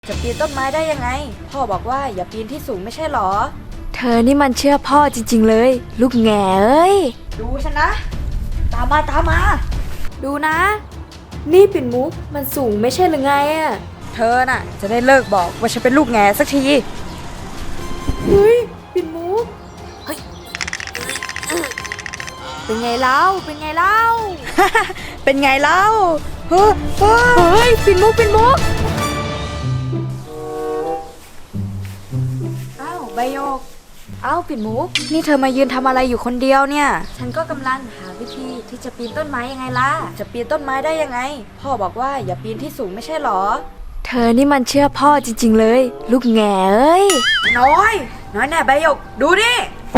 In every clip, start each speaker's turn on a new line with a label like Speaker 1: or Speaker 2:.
Speaker 1: จะปีนต้นไม้ได้ยังไงพ่อบอกว่าอย่าปีนที่สูงไม่ใช่หรอ
Speaker 2: เธอนี่มันเชื่อพ่อจริงๆเลยลูกแง่เอ้ย
Speaker 1: ดูฉันนะตามมา
Speaker 2: ดูนะนี่ปิ่นมุกมันสูงไม่ใช่หรือไงอะ
Speaker 1: เธอน่ะจะได้เลิกบอกว่าฉันเป็นลูกแง่สักที
Speaker 2: เฮ้ยปิ่นมุกเฮ้ยเป็นไงเล่า
Speaker 1: เป็นไงเล่าเฮ้
Speaker 2: ยปิ่นมุก
Speaker 1: อ้าวใบโยกอ้าวปิ่นมุกนี่เธอมายืนทำอะไรอยู่คนเดียวเนี่ยฉันก็กำลังหาวิธีที่จะปีนต้นไม้ยังไงล่ะจะปีนต้นไม้ได้ยังไงพ่อบอกว่าอย่าปีนที่สูงไม่ใช่หรอ
Speaker 2: เธอนี่มันเชื่อพ่อจริงๆเลยลูกแง่เอ้ย
Speaker 1: น้อยแน่ใบโยกดูดิ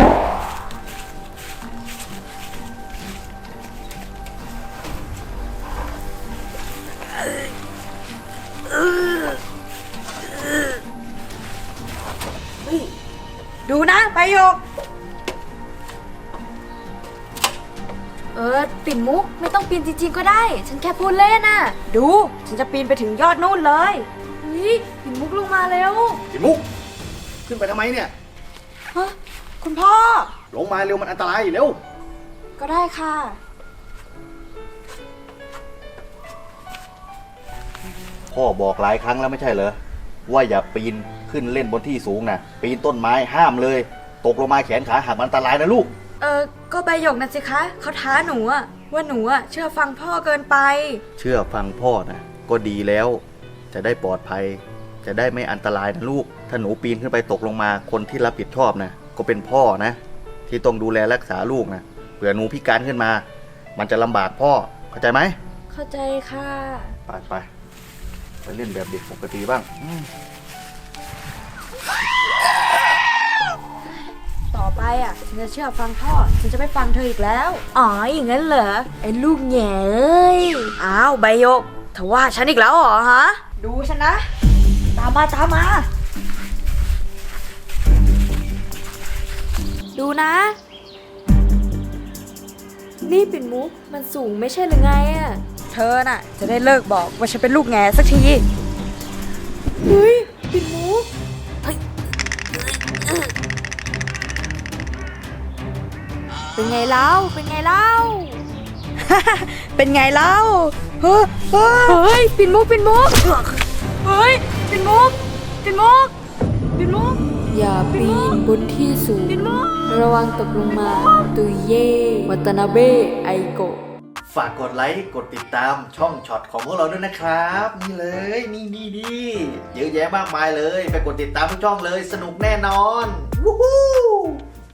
Speaker 1: ดูนะใบโยก
Speaker 2: ปิ่นมุกไม่ต้องปีนจริงๆก็ได้ฉันแค่พูดเล่นน่ะ
Speaker 1: ดูฉันจะปีนไปถึงยอดนู่นเลย
Speaker 2: เฮ้ยปิ่นมุกลงมาเร็ว
Speaker 3: ปิ่นมุกขึ้นไปทำไมเนี่ย
Speaker 1: ฮะคุณพ่อ
Speaker 3: ลงมาเร็วมันอันตรายเร็ว
Speaker 1: ก็ได้ค่ะ
Speaker 3: พ่อบอกหลายครั้งแล้วไม่ใช่เหรอว่าอย่าปีนขึ้นเล่นบนที่สูงนะปีนต้นไม้ห้ามเลยตกลงมาแขนขาหักมันอันตรายนะลูก
Speaker 1: ก็ใบหยกนะสิคะเขาท้าหนูว่าหนูเชื่อฟังพ่อเกินไป
Speaker 3: เชื่อฟังพ่อนะก็ดีแล้วจะได้ปลอดภัยจะได้ไม่อันตรายนะลูกถ้าหนูปีนขึ้นไปตกลงมาคนที่รับผิดชอบนะก็เป็นพ่อนะที่ต้องดูแลรักษาลูกนะเผื่อหนูพิการขึ้นมามันจะลำบากพ่อเข้าใจไหม
Speaker 1: เข้าใจค่ะ
Speaker 3: ไปเล่นแบบเด็กปกติบ้าง
Speaker 1: ต่อไปฉันจะเชื่อฟังพ่อฉันจะไม่ฟังเธออีกแล้ว
Speaker 2: อ๋ออย่างนั้นเหรอไอ้ลูกแง่เอ้ย
Speaker 1: อ้าวใบโยกเธอว่าฉันอีกแล้วเหรอฮะดูฉันนะตามมา
Speaker 2: ดูนะนี่ปิ่นมุกมันสูงไม่ใช่หรือไง
Speaker 1: เธอน่ะจะได้เลิกบอกว่าฉันเป็นลูกแง่สักที
Speaker 2: เฮ้ยปิ่นมุกเป็นไงเล่า
Speaker 1: เป็นไงเล่า
Speaker 2: เฮ้ยปิ่นมุกเฮ้ยปิ่นมุกอย่าปีนบนที่สูงระวังตกลงมาตุยเย่วัตนาเบะไอโกะ
Speaker 3: ฝากกดไลค์กดติดตามช่องช็อตของพวกเราด้วยนะครับนี่เลยนี่เยอะแยะมากมายเลยไปกดติดตามทุกช่องเลยสนุกแน่นอนวู้ฮู้